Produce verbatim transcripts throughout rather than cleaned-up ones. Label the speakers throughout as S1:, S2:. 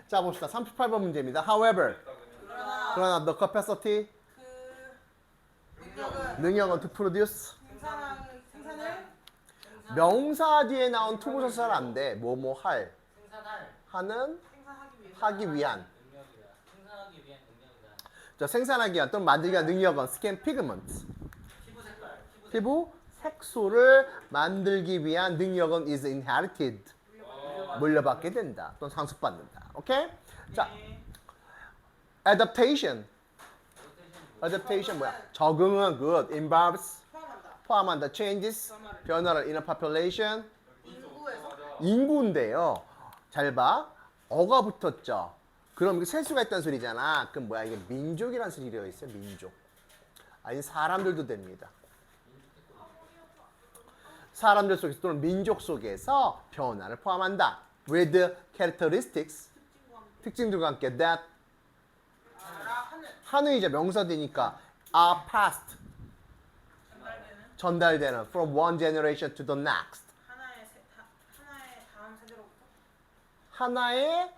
S1: 자 봅시다. 삼십팔 번 문제입니다. However,
S2: 그러나
S1: 그러나 the capacity,
S2: 그 능력은
S1: 능력은 to produce,
S2: 생산한 생산을
S1: 명사 뒤에 나온 투부사 잘 안 돼. 뭐 뭐 할,
S3: 생산할
S1: 하는,
S2: 생산하기 위해
S1: 하기 위한.
S3: 능력이다. 생산하기 위한 능력이다.
S1: 자 생산하기 위한 또는 만들기 위한 능력은 skin pigment,
S3: 피부 색깔. 피부
S1: 피부 색소를 만들기 위한 능력은 is inherited, 물려받게 된다. 또는 상속받는다. 오케이? 자, adaptation. adaptation 뭐야? 적응은 good, involves
S2: 포함한다.
S1: 포함한다. changes
S2: 변화를
S1: 변화를 in a population
S2: 인구에서
S1: 인구인데요. 잘 봐. 어가 붙었죠. 그럼 이게 세수가 있다는 소리잖아. 그럼 뭐야? 이게 민족이라는 소리 되어 있어요. 민족. 아니 사람들도 됩니다. 사람들 속에서 또는 민족 속에서 변화를 포함한다. with characteristics 특징들과 함께 that
S2: 알아 하는
S1: 한의이자 명사되니까 are passed
S2: 전달되는
S1: 전달되는 from one generation to the next
S2: 하나의 세, 다, 하나의 다음 세대로부터
S1: 하나의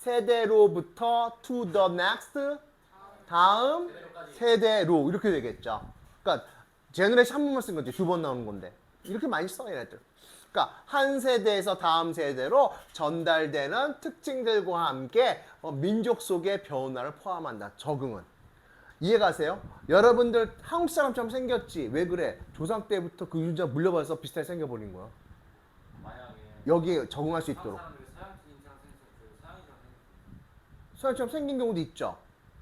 S1: 세대로부터 to the next 다음 세대로 이렇게 되겠죠. 그러니까 제너레이션 한 번만 쓴 거지 두 번 나오는 건데 이렇게 많이 써 얘네들. 그러니까 한 세대에서 다음 세대로 전달되는 특징들과 함께 어, 민족 속의 변화를 포함한다. 적응은. 이해가세요? 여러분들 한국 사람처럼 생겼지. 왜 그래? 조상 때부터 그 유전자 물려받아서 비슷하게 생겨버린 거야.
S3: 만약에
S1: 여기에 적응할 수 있도록.
S3: 사람들이 서양인이랑 생겼어요. 서양인이랑 생겼어요.
S1: 서양처럼 생긴 경우도 있죠.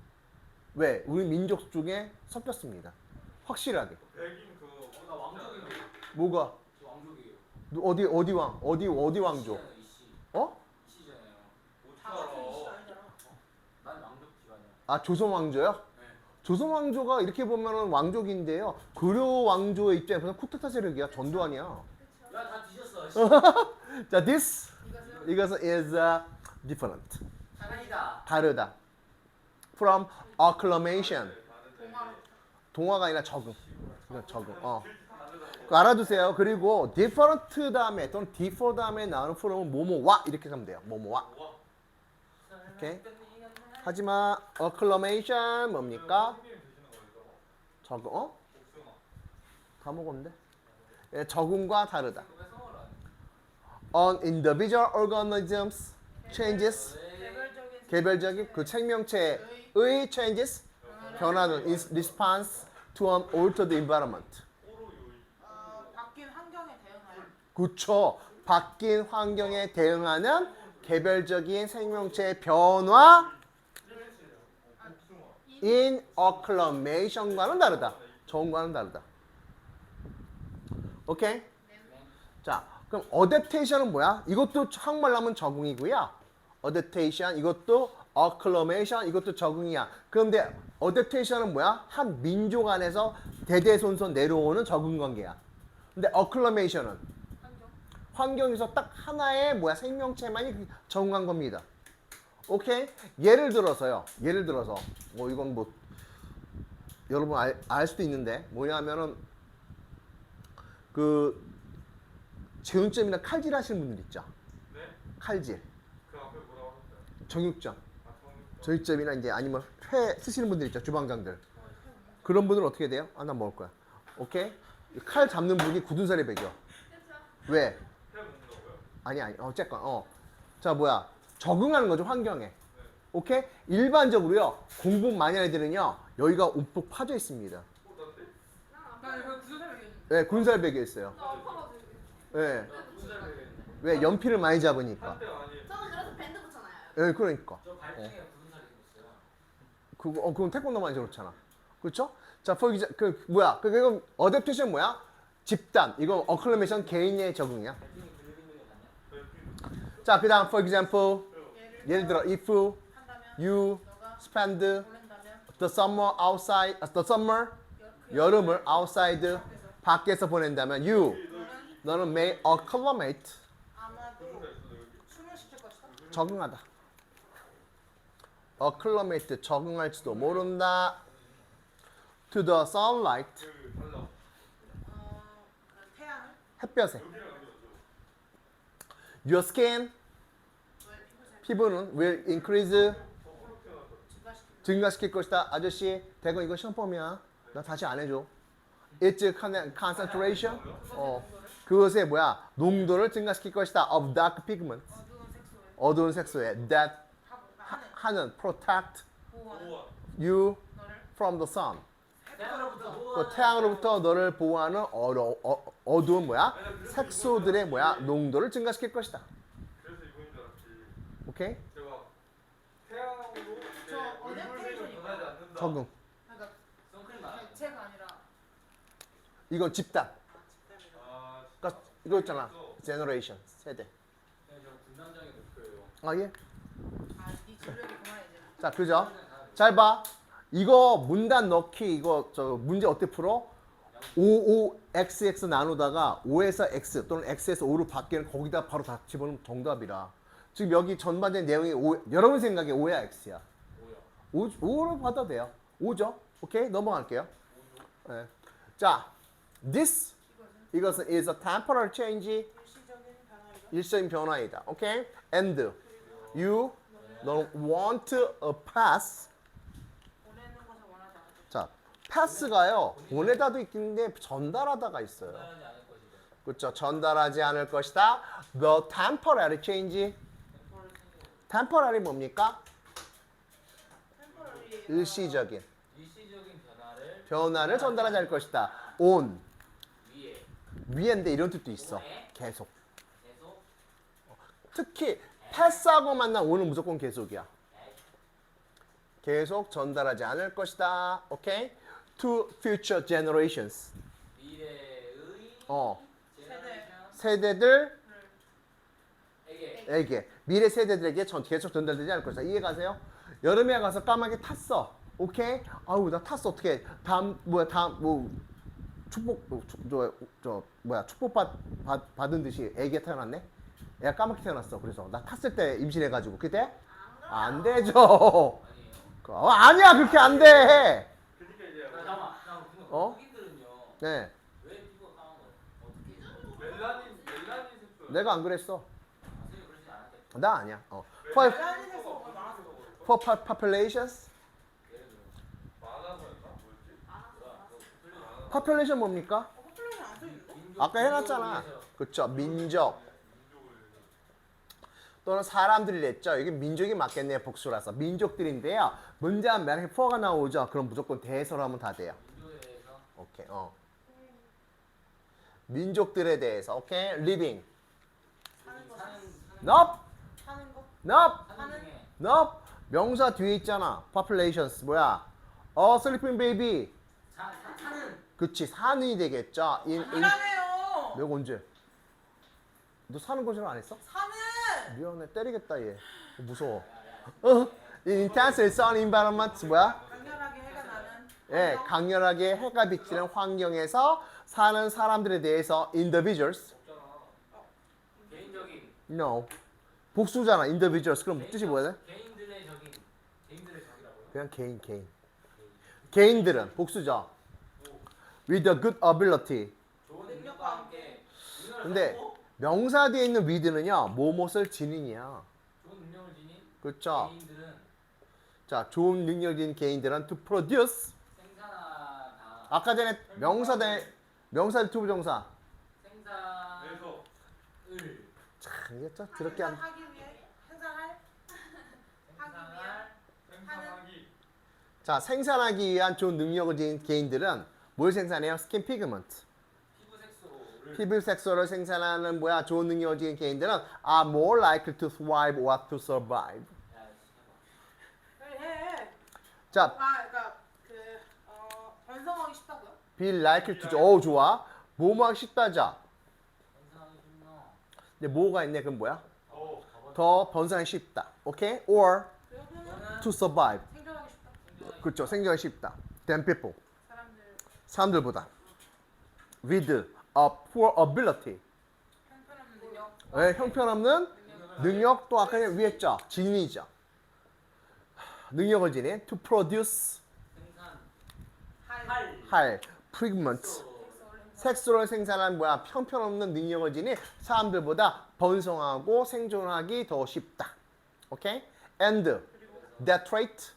S1: 왜? 우리 민족 중에 섞였습니다. 확실하게.
S4: 백인 그
S3: 어, 나 왕족이에요.
S1: 뭐가?
S3: 저 왕족이에요.
S1: 누- 어디 어디 왕? 어디 어디 왕족?
S3: 이씨잖아요, 이씨.
S1: 어?
S3: 이씨잖아요.
S2: 다 같은 이슈 아니잖아.
S3: 난 왕족 집안이야.
S1: 아 조선 왕조요?
S3: 네.
S1: 조선 왕조가 이렇게 보면은 왕족인데요. 고려 왕조의 입장에서는 쿠데타 세력이야. 전두환이야.
S3: 야, 다 뒤졌어. 씨.
S1: 자, this
S2: 이것은
S1: 이것은 is uh, different.
S3: 다르다.
S1: 다르다. From acclamation.
S2: 동화로
S1: 동화가 아니라 적응. 이건 적응. 어. 그거 알아두세요. 그리고 different 다음에 또는 differ 다음에 나오는 프롬은 뭐뭐와 이렇게 하면 돼요. 뭐뭐와. 오케이. 하지만 acclamation 뭡니까?
S4: 형님 드시는 거예요?
S1: 적응. 어?
S4: 복숭아.
S1: 다 먹었는데. 예, 적응과 다르다.
S3: 왜 성을 안 해?
S1: On individual organisms changes
S2: 개별적인
S1: 개별적인 그 생명체의 changes 변화는 in response to an altered environment.
S4: 오로 요이.
S2: 어, 바뀐 환경에 대응하여
S1: 그쵸. 바뀐 환경에 대응하는 개별적인 생명체의 변화
S4: 복숭아.
S1: in acclamation과는 다르다. 적응과는 다르다. 오케이? 자, 그럼 adaptation은 뭐야? 이것도 한국말로 하면 적응이고요. adaptation 이것도 acclamation 이것도 적응이야. 그런데 adaptation은 뭐야? 한 민족 안에서 대대손손 내려오는 적응 관계야. 근데 acclamation은
S2: 환경
S1: 환경에서 딱 하나의 뭐야 생명체만이 적응한 겁니다. 오케이? 예를 들어서요. 예를 들어서 뭐 이건 뭐 여러분 알, 알 수도 있는데 뭐냐면은 그 제운점이나 칼질 하시는 분들 있죠.
S4: 네?
S1: 칼질,
S4: 그 앞에 뭐라고 하셨어요?
S1: 정육점,
S4: 아, 정.
S1: 저육점이나 이제 아니면 회 쓰시는 분들 있죠. 주방장들. 그런 분들은 어떻게 돼요? 아, 난 먹을 거야. 오케이? 칼 잡는 분이 굳은 살에 배겨. 왜?
S4: 회 먹는다고요?
S1: 아니 아니 어쨌건 어. 자 뭐야 적응하는 거죠 환경에. 오케이? 일반적으로요 공부 많이 하는 애들은요 여기가 움푹 파져 있습니다.
S4: 어, 난데?
S2: 나 이거 구조 설명했는데
S1: 네, 군살 배겨 있어요.
S2: 나 아파가지고
S1: 네.
S3: 군살 배겠네.
S1: 왜 연필을 많이 잡으니까.
S4: 한대 아니에요.
S5: 저는 그래서 밴드 붙여놔요.
S1: 네, 그러니까.
S3: 저 발등에 군살이 있었어요.
S1: 그거 어 그건 태권도 많이 저렇잖아. 그렇죠? 자, for example, 그 뭐야? 그 이건 어댑테이션 뭐야? 집단. 이거 어클레메이션 개인의 적응이야.
S3: 발등이 블링블링 아니야?
S1: 자, 그다음 for example
S2: 예를
S1: 예를 들어 if
S2: 한다면
S1: you
S2: 너가
S1: spend
S2: 보낸다면
S1: the summer outside, uh, the summer
S2: 그
S1: 여름을 outside 밖에서 보낸다면 you
S2: 너는
S1: 너는 may acclimate
S2: 아마도 숨을 쉬실 것이다
S1: 적응하다. acclimate 적응할지도 모른다. to the sunlight
S4: 그 달라.
S2: 어, 그 태양을
S1: 햇볕에
S4: 여기랑 여기 어쩌고.
S1: your skin
S2: 너의 피부색
S1: 피부는 will increase
S2: 증가시키고.
S1: 증가시킬 것이다. 아저씨, 대건 이거 시험범이야. 나 다시 안 해줘. It's con- concentration. 어, 그것의 뭐야? 농도를 증가시킬 것이다. Of dark pigment.
S2: 어두운 색소에
S1: 어두운 색소에 that
S2: 하고
S1: 하,
S2: 하는
S1: 하는 protect
S2: 보호하는
S4: 우와.
S1: you
S2: 너를
S1: from the sun.
S3: 태양으로부터
S1: 그
S3: 보호하는
S1: 태양으로부터 너를 보호하는 어려, 어, 어두운 뭐야? 색소들의 뭐야? 농도를 증가시킬 것이다.
S4: 그래서 이분인 줄 알았지.
S1: 오케이?
S4: 제가 태양으로 내
S2: 저 어제
S4: 얼굴색은
S2: 테레비전이요.
S4: 변하지 않는다.
S1: 적응.
S2: 그러니까
S3: 선크림 말하는 거.
S2: 개체가 아니라
S1: 이건 집단.
S2: 아, 집단이라.
S4: 아,
S1: 그러니까 이거 있잖아. generation 세대.
S3: 그냥 저 군단장의 목표예요.
S1: 아 예.
S2: 아, 네 진력이 그만 이제.
S1: 자, 그죠? 잘 봐. 이거 문단 넣기 이거 저 문제 어떻게 풀어? 오, 오, 엑스, 엑스 나누다가 오에서 X 또는 X에서 오로 바뀌는 거기다 바로 다 집어넣으면 정답이라. 지금 여기 전반적인 내용이 오, 여러분 생각에 오야 X야.
S3: 뭐야?
S1: 오, 오로 받아도 돼요. 오죠? 오케이? 넘어갈게요. 네. 자, this 이것은 is a temporary change.
S2: 일시적인 변화이다.
S1: 일시적인 변화이다. 오케이? And you don't want a pass.
S2: 보내는 것을 원하지 않을 것.
S1: 자, 패스가요. 보내다도 있긴데 전달하다가 있어요.
S3: 전달하지 않을 것이다.
S1: 그렇죠. 전달하지 않을 것이다. The temporary change. temporary 뭡니까?
S2: 템포러리.
S1: 일시적인
S3: 일시적인 변화를
S1: 변화를 전달하지 않을 것이다. on
S3: 위에
S1: 위엔데 이런 뜻도 있어.
S3: 오에
S1: 계속.
S3: 계속
S1: 특히 패스하고 만난 on은 무조건 계속이야. 계속 전달하지 않을 것이다. 오케이? To future generations.
S3: 미래의
S1: 어,
S3: 제너레이션
S1: 세대들
S3: 에게
S1: 에게 미래 세대들에게 전 계속 전달되지 않을 것이다. 이해가세요? 여름에 가서 까마귀 탔어. 오케이? 아우 나 탔어. 어떻게? 다음 뭐야 다음 뭐 축복 뭐, 축- 저, 저 뭐야 축복 받, 받 받은 듯이 애기가 태어났네. 애가 까맣게 태어났어. 그래서 나 탔을 때 임신해가지고 그때 안 되죠.
S3: 아니에요.
S1: 어, 아니야 그렇게 안 돼.
S4: 그러니까 이제
S3: 나 잠깐만. 잠깐만.
S1: 어?
S3: 흑인들은요.
S1: 네,
S3: 왜 피부가 까만 거예요? 어떻게?
S4: 멜라닌 멜라닌 색소.
S1: 내가 안 그랬어.
S3: 아, 선생님 그러지 않았겠죠.
S1: 나 아니야. 어. For,
S2: 멜라닌 색소가 많아서.
S1: for po- populations.
S3: 예를 들어
S4: 많아서였나? 뭐였지?
S3: 뭐야? 그거 풀리지
S1: population 뭡니까?
S2: 어, 커플레이션 안 써있는데?
S3: 민족,
S1: 아까 해놨잖아.
S3: 민족을 위해서.
S1: 그쵸. 민족
S4: 민족을
S1: 또는 사람들이 랬죠. 이게 민족이 맞겠네요. 복수라서. 민족들인데요. 문제 한 만약에 for가 나오죠. 그럼 무조건 대해서로 하면 다 돼요.
S3: 민족에 대해서
S1: 오케이. 어. 민족들에 대해서. 오케이. living.
S2: 사는 거.
S3: 사는
S1: nope.
S2: 사는 거.
S1: nope.
S3: 사는 중에
S1: nope. 명사 뒤에 있잖아. populations. 뭐야? 어, sleeping baby.
S3: 사, 사, 사는
S1: 그치. 사는이 되겠죠. in, in.
S2: 아니라네요.
S1: 내가 언제? 너 사는 거줄 안 했어?
S2: 사는.
S1: 미안해. 때리겠다 얘. 무서워. 어? in intense sun environment. 뭐야?
S2: 강렬하게 해가 나는.
S1: 예,
S2: 환경.
S1: 강렬하게 해가 비치는 환경에서 사는 사람들에 대해서 individuals.
S3: 없잖아. 개인적인
S1: No. 복수잖아. individuals. 그럼 뜻이 뭐야?
S3: 개인들의 적인 개인들의 적이라고요?
S1: 그냥 개인, 개인. 개인들은 복수죠. With a good ability.
S3: 좋은 능력과 함께 능력을
S1: 근데
S3: 갖고
S1: 명사 뒤에 있는 with는요. 뭐뭇을 지닌이야.
S3: 좋은 능력을 지닌
S1: 그렇죠.
S3: 개인들은
S1: 자, 좋은 능력인 개인들은 to produce.
S3: 생산하다
S1: 아까 전에 명사 대 명사 대 투부정사.
S3: 생산을
S4: 그래서
S1: 참, 이게 참 더럽게 안.
S2: 생산하기 위해 생산할.
S3: 생산할
S4: 생산하기
S1: 자, 생산하기 위한 좋은 능력을 지닌 개인들은 뭘 생산해요? 스킨 피그먼트.
S3: 피부 색소를
S1: 피부 색소를 생산하는 뭐야? 좋은 능력을 지닌 개인들은 are more likely to thrive or to survive.
S3: 야,
S2: 그래 해.
S1: 자,
S2: 아, 그러니까 그 어, 번성하기 쉽다고요?
S1: be likely to. 오, 좋아. 뭐뭐 하기 쉽다자.
S3: 생산하기 쉽나
S1: 근데 뭐가 있네? 그럼 뭐야?
S4: 어
S1: 더 번성하기 쉽다. 오케이? Or
S2: 그러면
S3: 이거는
S1: to survive.
S2: 생존하기 쉽다.
S3: 생존하기
S1: 그렇죠. 생존하기 쉽다. Than people.
S2: 사람들
S1: 사람들보다. With a poor ability.
S2: 형편없는 능력.
S1: 네, 형편없는
S3: 능력을
S1: 능력 또 아까 위에 했죠. 지닌이죠. 능력을 지닌 to produce
S2: 할.
S1: 할 pigment.
S3: 색소
S1: 색소를 생산한 뭐야 형편없는 능력을 지닌 사람들보다 번성하고 생존하기 더 쉽다. 오케이? And
S2: 그리고
S1: that trait,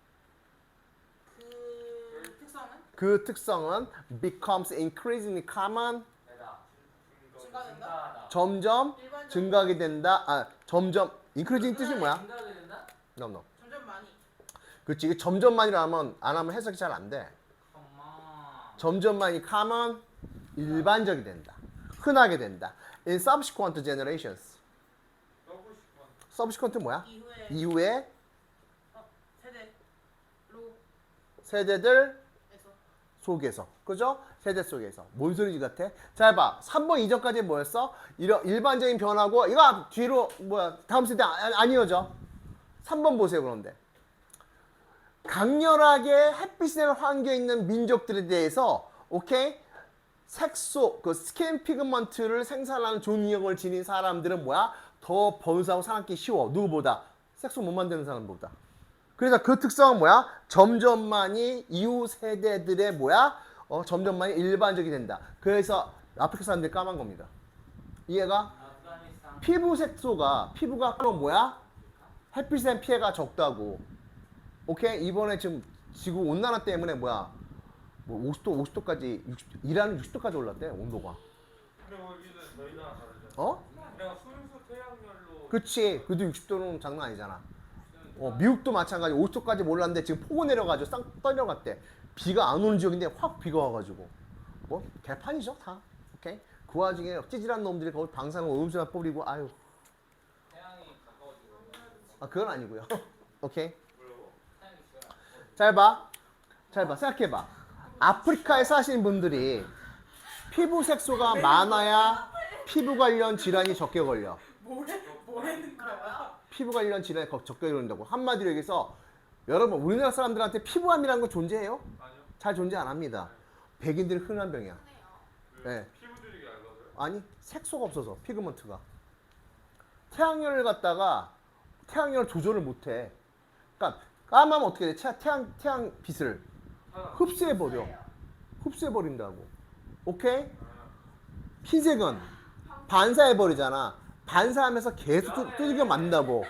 S2: 그 특성은
S1: 그 특성은 becomes increasingly common,
S3: 내다.
S2: 증가된다.
S1: 점점
S2: 일반적으로
S1: 증가하게 된다. 아, 점점 increasing 뜻이 뭐야?
S3: 증가하게 된다?
S1: No, no.
S2: 점점 많이.
S1: 그렇지. 이게 점점만이라 하면 안 하면 해석이 잘 안 돼.
S3: 엄마.
S1: 점점만이 common, 일반적이 된다. 흔하게 된다. In subsequent generations.
S4: 떠고 싶어.
S1: subsequent 뭐야?
S2: 이후에
S1: 이후에
S2: 어, 세대로
S1: 세대들
S2: 에서
S1: 속에서. 그죠? 세대 속에서. 뭔 소리지 같아? 잘 봐. 삼 번 이전까지 뭐였어? 이런 일반적인 변화고 이거 뒤로 뭐야? 다음 세대 안, 안 이어져. 삼 번 보세요. 그런데. 강렬하게 햇빛에 환겨 있는 민족들에 대해서 오케이? 색소, 그 스킨 피그먼트를 생산하는 존력을 지닌 사람들은 뭐야? 더 번성하고 살아남기 쉬워. 누구보다? 색소 못 만드는 사람보다. 그래서 그 특성은 뭐야? 점점만이 이후 세대들의 뭐야? 어, 점점만이 일반적이 된다. 그래서 아프리카 사람들이 까만 겁니다. 이해가?
S3: 아프가니스탄.
S1: 피부 색소가 피부가 그럼 뭐야? 햇빛에 피해가 적다고. 오케이? 이번에 지금 지구 온난화 때문에 뭐야? 뭐 오십 도, 오십 도까지 육십, 이란은 육십 도까지 올랐대 온도가.
S4: 근데 거기는 저희 나라 다르잖아.
S1: 어?
S4: 그냥 순수 태양열로.
S1: 그치. 그래도 육십 도는 장난 아니잖아. 어, 미국도 마찬가지 오십 도까지 몰랐는데 지금 폭우 내려가지고 쌍 떨려갔대. 비가 안 오는 지역인데 확 비가 와가지고. 뭐 개판이죠 다. 오케이? 그 와중에 찌질한 놈들이 거기 방사능 오염수나 뿌리고 아유.
S3: 태양이 가까워지고.
S1: 아 그건 아니고요. 오케이?
S4: 뭐라고?
S3: 태양이 있어요.
S1: 잘 봐. 잘 봐. 생각해봐. 아프리카에 사시는 분들이 피부 색소가 많아야 피부 관련 질환이 적게 걸려.
S2: 뭐래 뭐라는 거야?
S1: 피부 관련 질환이 거- 적게 걸린다고. 한마디로 얘기해서 여러분 우리나라 사람들한테 피부암이라는 거 존재해요?
S4: 아니요.
S1: 잘 존재 안 합니다. 백인들이 흔한 병이야.
S4: 왜?
S1: 네.
S4: 피부들이 얇아서요?
S1: 아니 색소가 없어서 피그먼트가. 태양열을 갖다가 태양열 조절을 못해. 그러니까 까마면 어떻게 돼? 태- 태양 태양 빛을
S4: 하나.
S1: 흡수해 버려. 흡수해 버린다고. 오케이?
S4: 아,
S1: 흰색은 반사해 버리잖아. 반사하면서 계속 두- 두들겨 맞는다고.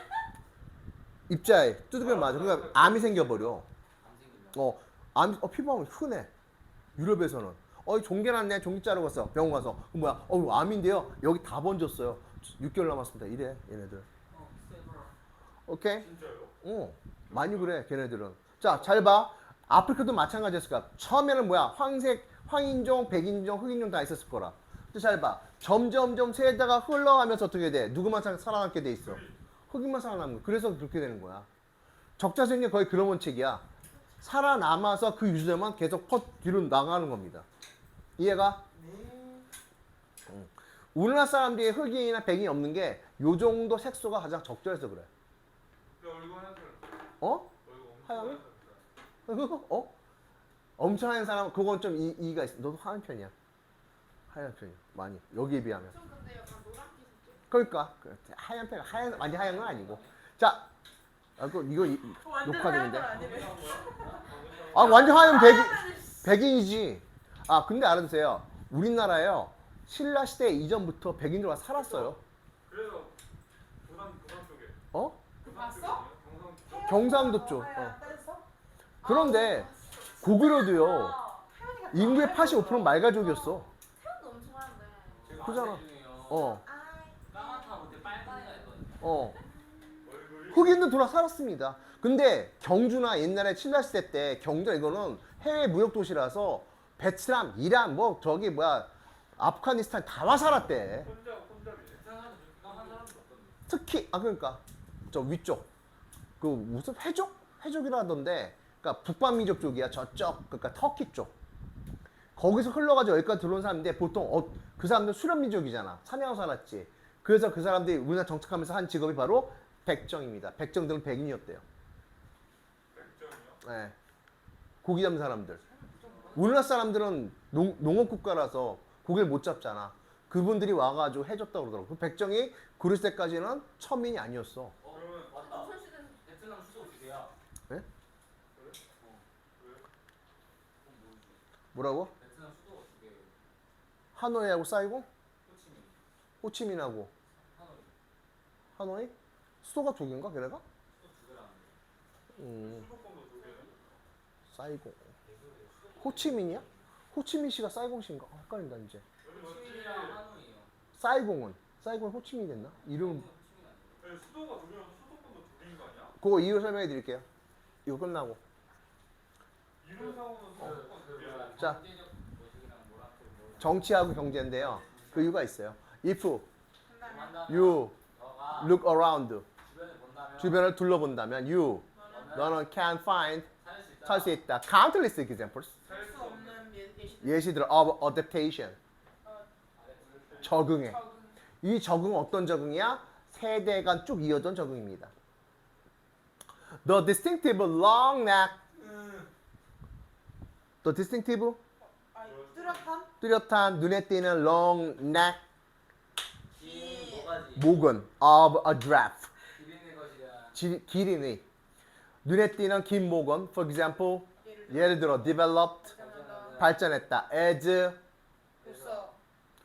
S1: 입자에 두들겨 맞아. 그러니까 암이 생겨 버려.
S3: 안 생긴다.
S1: 어, 암, 어, 피부암은 흔해. 유럽에서는. 어, 종괴 났네. 종기 자르고 갔어. 병원 가서. 그 뭐야? 어, 암인데요. 여기 다 번졌어요. 육 개월 남았습니다. 이래, 얘네들.
S3: 어, 세브라.
S1: 오케이?
S4: 진짜요?
S1: 어, 많이 그래, 걔네들은. 자, 잘 봐. 아프리카도 마찬가지였을 거야. 처음에는 뭐야? 황색, 황인종, 백인종, 흑인종 다 있었을 거라. 근데 잘 봐. 점점점 세대가 흘러가면서 어떻게 돼? 누구만 살- 살아남게 돼 있어? 흑인만 살아남는 거야. 그래서 그렇게 되는 거야. 적자생계 거의 그런 원칙이야. 살아남아서 그 유저만 계속 퍼 뒤로 나가는 겁니다. 이해가? 응. 우리나라 사람들이 흑인이나 백인이 없는 게 요 정도 색소가 가장 적절해서 그래.
S4: 근데 얼굴 하얀색.
S1: 어?
S4: 얼굴 엄청
S1: 하얀?
S4: 하얀색.
S1: 어? 엄청 하얀 사람 그건 좀 이, 이가 있어. 너도 하얀 편이야. 하얀 편이야. 많이. 여기에 비하면.
S2: 좀 근데 약간 노랗게 생겼.
S1: 그러니까 그 하얀 편 하얀 완전 하얀 건 아니고. 자, 아, 그 이거 이-
S2: 완전
S1: 녹화되는데.
S2: 하얀 건 아니네.
S1: 아 완전 하얀 백인 백인이지. 아 근데 알아두세요. 우리나라요 신라 시대 이전부터 백인들 와 살았어요.
S4: 그래서 부산 부산 쪽에.
S1: 어?
S4: 부산
S2: 봤어?
S4: 쪽이거든요. 경상 쪽.
S1: 경상도 쪽. 어.
S2: 하얀 뺐어?
S1: 그런데 고구려도요
S2: 태연이가
S1: 인구의 팔십오 퍼센트는 말가족이었어.
S2: 태연도 엄청 하얀데.
S3: 제가
S1: 그잖아.
S3: 아는 중에요.
S1: 어,
S2: 아이.
S3: 까맣다 못해 빨간 애가 있거든요.
S1: 어.
S4: 얼굴이.
S1: 흑인도 돌아 살았습니다. 근데 경주나 옛날에 신라 시대 때 경주 이거는 해외 무역 도시라서 베트남, 이란, 뭐 저기 뭐야 아프가니스탄 다 와 살았대.
S4: 혼자 혼잡이네.
S3: 세상에서 그렇게 한 사람도 없거든요.
S1: 특히 아 그러니까 저 위쪽 그 무슨 해족 해족이라던데 그러니까 북반민족 쪽이야 저쪽 그러니까 터키 쪽 거기서 흘러가지고 여기까지 들어온 사람인데 보통 어, 그 사람들 수렵민족이잖아 사냥하고 살았지 그래서 그 사람들이 우리나라 정착하면서 한 직업이 바로 백정입니다. 백정들은 백인이었대요.
S4: 백점이요?
S1: 네. 고기 잡는 사람들 우리나라 사람들은 농, 농업 국가라서 고기를 못 잡잖아. 그분들이 와가지고 해줬다고 그러더라고. 그 백정이 그리스 때까지는 천민이 아니었어.
S3: 어,
S2: 음.
S3: 맞다.
S2: 조선시대는
S3: 베트남 수도 어디야?
S1: 네?
S3: 어.
S4: 왜?
S3: 그건 뭐지?
S1: 뭐라고?
S3: 베트남 수도 어떻게?
S1: 하노이하고 사이고?
S3: 호치민.
S1: 호치민하고
S3: 하노이.
S1: 하노이? 수도가 두 개인가 걔네가?
S3: 두 개라는데.
S1: 음,
S4: 수도권도 두 개는?
S1: 사이공. 호치민이야? 호치민시가 사이공시인가? 아, 헷갈린다 이제.
S4: 여기
S3: 호치민이랑
S4: 맞지?
S3: 하노이요.
S1: 사이공은 사이공이 호치민이 됐나? 이름
S3: 호치민 아니에요?
S4: 아니, 수도가 두 개면 수도권도 두 개인 거 아니야?
S1: 그거 이유 설명해 드릴게요. 이거 끝나고.
S4: 이론상으로는 수도권 두 개야.
S3: 그
S1: 자.
S3: 경제적 모습이랑 뭐랑 또 뭐.
S1: 정치하고 경제인데요. 그 이유가 있어요. If
S2: 한다면
S3: 한다면
S1: you
S3: 너가
S1: look around,
S3: 주변을 본다면
S1: 주변을 둘러본다면 you,
S2: 너는
S1: 너는 can find,
S3: 찾을 수 있다.
S1: 찾을 수 있다. Countless examples.
S2: 살 수 없는 예- 예시들.
S1: 예시들 of adaptation.
S2: 어,
S3: 아래 둘
S1: 적응해.
S2: 적응.
S1: 이 적응은 어떤 적응이야? 세대간 쭉 이어진 적응입니다. The distinctive long neck. The distinctive
S2: 아, 뚜렷한
S1: 뚜렷한 눈에 띄는 long neck
S3: 긴 뭐가지?
S1: 목은 of a giraffe.
S3: 기린의 것이야.
S1: 지- 기린의 눈에 띄는 긴 목은 for example
S2: 예를 들어
S1: 예를 들어 developed
S2: 발전한다.
S1: 발전했다 as
S2: 로서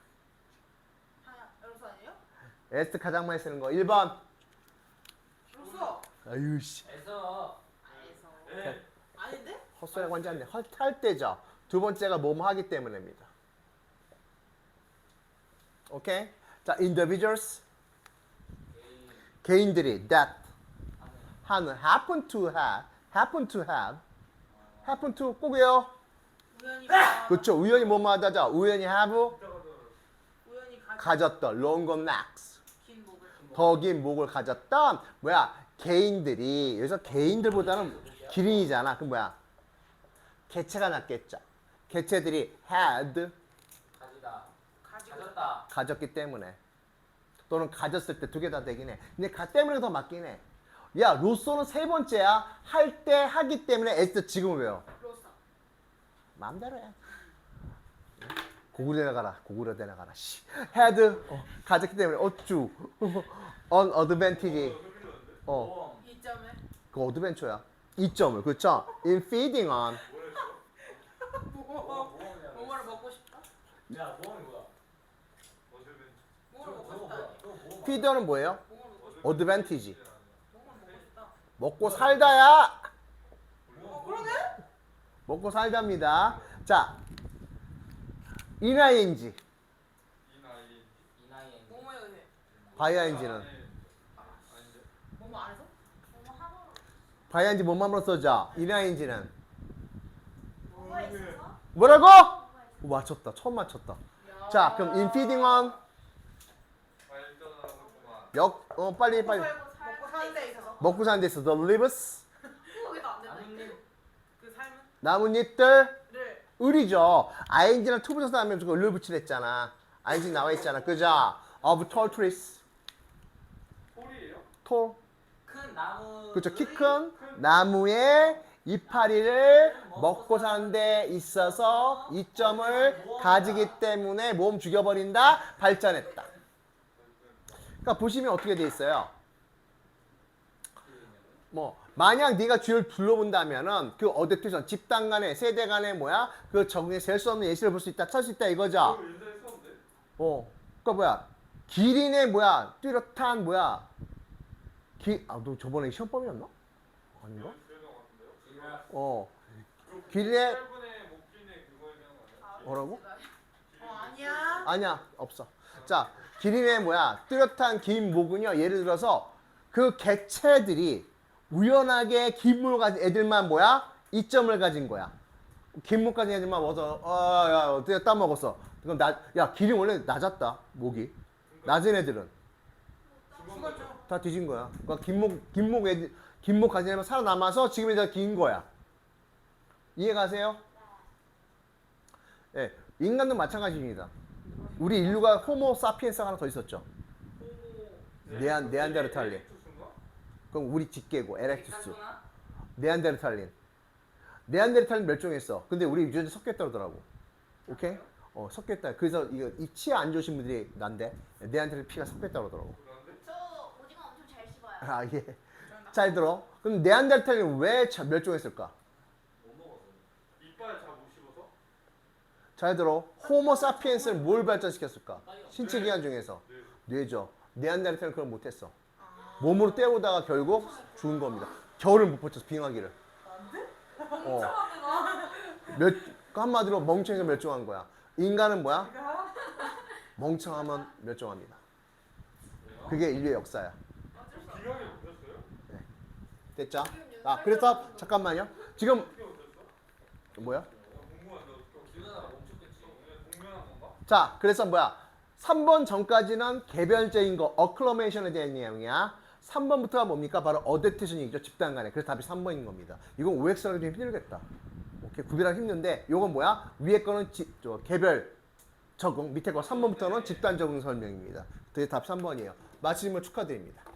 S2: 하나 로서 아니에요?
S1: as 가장 많이 쓰는 거 일 번
S2: 로서
S1: 아유 씨
S3: 에서
S2: 아에서
S4: 네.
S2: 아닌데?
S1: 헛소리하고 앉지 않네 할, 할 때죠 두 번째가 뭐뭐 하기 때문입니다 오케이 자 individuals
S3: 개인
S1: 개인들이 that
S3: 하는
S1: 하는 happen to have happen to have happen to 꼭이요
S2: 우연히 봐.
S1: 그렇죠 우연히 뭐뭐 하다죠 우연히 have
S2: 우연히 가
S1: 가졌던 longer necks
S2: 긴 목을
S1: 더 긴 목을 가졌던 뭐야 개인들이 여기서 개인들보다는 기린이잖아 그럼 뭐야 개체가 낫겠죠 개체들이 had
S3: 가지다.
S2: 가지고
S3: 가졌다.
S1: 가졌기 때문에 또는 가졌을 때 두 개 다 되긴 해 근데 가 때문에 더 맞긴 해야 로쏘는 세 번째야 할 때 하기 때문에 에스 지금은 왜요
S2: 로서
S1: 마음대로 해 고구려 내려가라 고구려 내려가라 씨 had 어, 가졌기 때문에 어쭈 on advantage 어
S3: 보험.
S2: 이 점에
S1: 그 어드벤처야. 이 점을 그렇죠? In feeding on
S2: 뭐
S3: 보험이야.
S2: 뭐를 먹고 싶다?
S3: 야 보험이 뭐야?
S4: 어제는
S2: 뭐를
S3: 저거
S2: 먹고
S3: 저거
S2: 싶다.
S3: 뭐야? 저거 보험.
S1: feeder는 뭐예요?
S2: 뭐를 먹고 싶다.
S1: 어드밴티지.
S2: 뭐를 먹고 싶다.
S1: 먹고 살다야.
S2: 어 그러네?
S1: 먹고 살답니다. 자, 인아이엔지,
S4: 이 나이
S3: 이 나이에
S2: 뭐뭐에 의해.
S1: 바이아인지는
S4: 아닌데
S2: 뭐뭐 안 해서? 뭐뭐 하고
S1: 바이아인지 뭔맘으로 써져? 인아이엔지는
S2: 뭐가 있어서?
S1: 뭐라고? 오, 맞췄다. 처음 맞췄다. 자, 그럼 in feeding on
S4: 발전하고만
S1: 역, 어 빨리 빨리
S2: 먹고 사는 데 있어서.
S1: 먹고 사는 데 있어. The lives
S2: 그거가 안 된다.
S3: 나뭇잎.
S2: 그 삶은
S1: 나뭇잎들
S2: 를
S1: 을이죠. 아이엔지랑 투부정사 하면 저거 을을 붙이랬잖아. 아이엔지 나와 있잖아. 그죠? of tall trees.
S4: 홀이에요?
S1: tall.
S3: 큰 나무.
S1: 그렇죠. 키 큰 나무의 이파리를 먹고 사는 데 있어서 이점을 가지기 때문에 몸 죽여버린다. 발전했다. 그러니까 보시면 어떻게 돼 있어요? 뭐 만약 네가 주위를 둘러본다면은 그 어댑테이션 집단 간의 세대 간의 뭐야 그 적응에 셀 수 없는 예시를 볼 수 있다 찾을 수 있다 이거죠.
S4: 이거 옛날에 썼는데?
S1: 어 그러니까 뭐야 기린의 뭐야 뚜렷한 뭐야 기아너 저번에 시험 범위였나? 아닌가?
S4: 그랬던 것 같은데요?
S3: 지랄.
S1: 어
S4: 그거
S1: 길에-
S4: 짧은의 목길의 그거 얘기하는 거 아니야?
S1: 뭐라고?
S2: 어 아니야.
S1: 아니야 없어. 자 기린의 뭐야 뚜렷한 긴 목은요 예를 들어서 그 개체들이 우연하게 긴 목을 가진 애들만 뭐야 이점을 가진 거야. 긴 목 가진 애들만 먹어서 아야 어떻게 따먹었어. 그럼 나야 기린 원래 낮았다 목이 낮은 애들은
S2: 죽었죠.
S1: 다 뒤진 거야. 그러니까 긴목 긴목 애들 긴목 가진 애만 살아남아서 지금 이제 긴 거야. 이해가세요? 예, 인간도 마찬가지입니다. 우리 인류가 호모 사피엔스가 하나 더 있었죠. 네안 네안데르탈린.
S4: 에릭투스인가?
S1: 그럼 우리 직계고 에렉투스.
S3: 빅카소나?
S1: 네안데르탈린. 네안데르탈린 멸종했어. 근데 우리 유전자 섞였다 그러더라고. 오케이? 어, 섞였다. 그래서 이거 이 치아 안 좋으신 분들이 난데 네안데르 피가 섞였다 그러더라고.
S4: 그런데?
S5: 저 오징어 엄청 잘 씹어요.
S1: 아, 예. 잘 들어. 그럼 네안데르탈린 왜 자- 멸종했을까?
S3: 못 먹었어.
S4: 이빨 잘 못 씹어서?
S1: 잘 들어. 호모 사피엔스를 뭘 발전시켰을까? 신체 기관 중에서
S4: 네.
S1: 뇌죠. 네안데르탈린 그걸 못했어. 몸으로 때우다가 결국 죽은 겁니다. 겨울을 못 버텨서 빙하기를.
S2: 안 돼?
S1: 어.
S2: 멍청하게 나.
S1: 몇 한마디로 멍청해서 멸종한 거야. 인간은 뭐야?
S2: 내가
S1: 멍청하면 멸종합니다. 그게 인류의 역사야.
S2: 어쩔 수 없어.
S4: 기억이 못했어요?
S1: 됐죠? 아 그래서 잠깐만요. 지금
S4: 어떻게 못했어?
S1: 뭐야?
S4: 궁금한데 어떻게
S3: 기우다가 멈췄겠지.
S4: 공면한 건가?
S1: 자 그래서 뭐야? 삼 번 전까지는 개별적인 거 어클러메이션에 대한 내용이야. 삼 번부터가 뭡니까? 바로 어댑테이션이죠. 집단 간에. 그래서 답이 삼 번인 겁니다. 이건 오엑스하기 좀 힘들겠다. 오케이 구별하기 힘든데 요건 뭐야? 위에 거는 지, 저, 개별 적응, 밑에 거 삼 번부터는 집단 적응 설명입니다. 그게 답 삼 번이에요. 마치면 축하드립니다.